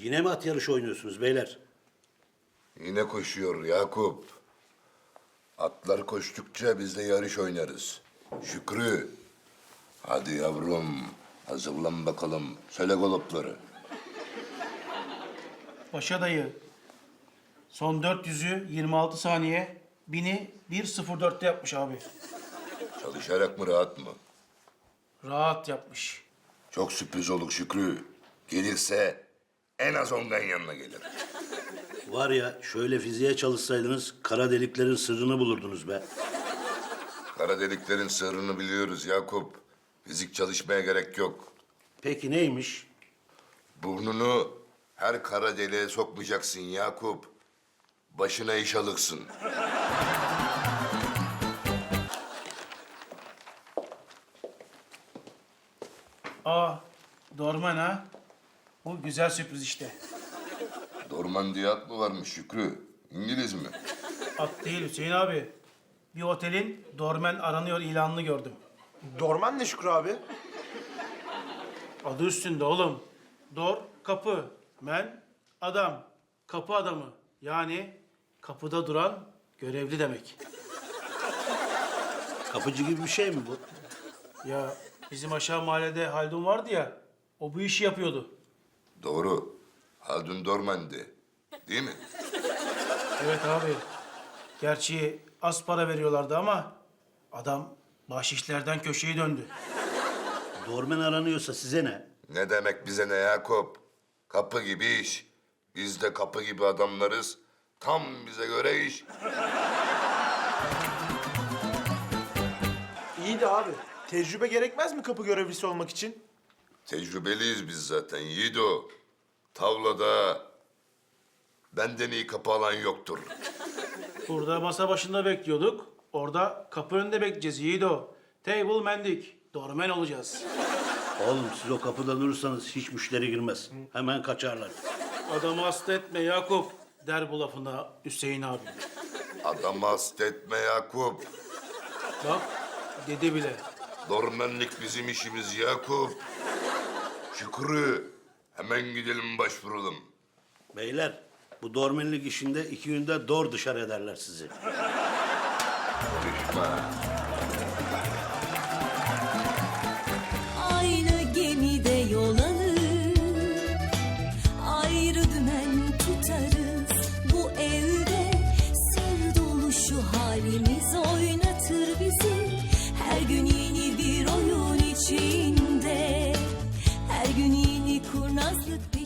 Yine mi at yarışı oynuyorsunuz beyler? Yine koşuyor Yakup. Atlar koştukça biz de yarış oynarız. Şükrü. Hadi yavrum. Hazırlan bakalım. Söyle galopları. Paşa dayı. Son 400'ü 26 saniye. 1000'i 1.04'te yapmış abi. Çalışarak mı rahat mı? Rahat yapmış. Çok sürpriz olur Şükrü. Gelirse en az 10 yanına gelir. Var ya şöyle fiziğe çalışsaydınız kara deliklerin sırrını bulurdunuz be. Kara deliklerin sırrını biliyoruz Yakup. Fizik çalışmaya gerek yok. Peki neymiş? Burnunu her kara deliğe sokmayacaksın Yakup. Başına iş alırsın. Aa, Dorman ha. Bu güzel sürpriz işte. Dorman diye at mı varmış Şükrü? İngiliz mi? At değil Hüseyin abi. Bir otelin Dorman aranıyor ilanını gördüm. Dorman ne Şükrü abi? Adı üstünde oğlum. Dor, kapı. Men, adam. Kapı adamı. Yani kapıda duran görevli demek. Kapıcı gibi bir şey mi bu? Ya bizim aşağı mahallede Haldun vardı ya. O bu işi yapıyordu. Doğru. Haldun Dorman'dı. Değil mi? Evet abi. Gerçi az para veriyorlardı ama adam bahşişlerden köşeyi döndü. Dormen aranıyorsa size ne? Ne demek bize ne Yakup? Kapı gibi iş. Biz de kapı gibi adamlarız. Tam bize göre iş. İyi de abi. Tecrübe gerekmez mi kapı görevlisi olmak için? Tecrübeliyiz biz zaten Yiğido. Tavlada benden iyi kapı alan yoktur. Burada masa başında bekliyorduk. Orada kapı önünde bekleyeceğiz Yiğido. Table mendik. Dormen olacağız. Oğlum siz o kapıda durursanız hiç müşteri girmez. Hemen kaçarlar. Adamı hasta etme Yakup der bu lafına Hüseyin abi. Adamı hasta etme Yakup. Bak dedi bile. Dormenlik bizim işimiz Yakup. Şükrü, hemen gidelim başvuralım. Beyler bu dormenlik işinde 2 günde dor dışarı ederler sizi. Konuşma. Aynı gemide yol alır, ayrı dümen tutarız. Bu evde sır dolu şu halimiz oynatır bizi. Her gün yeni bir oyun içinde, her gün yeni kurnazlık.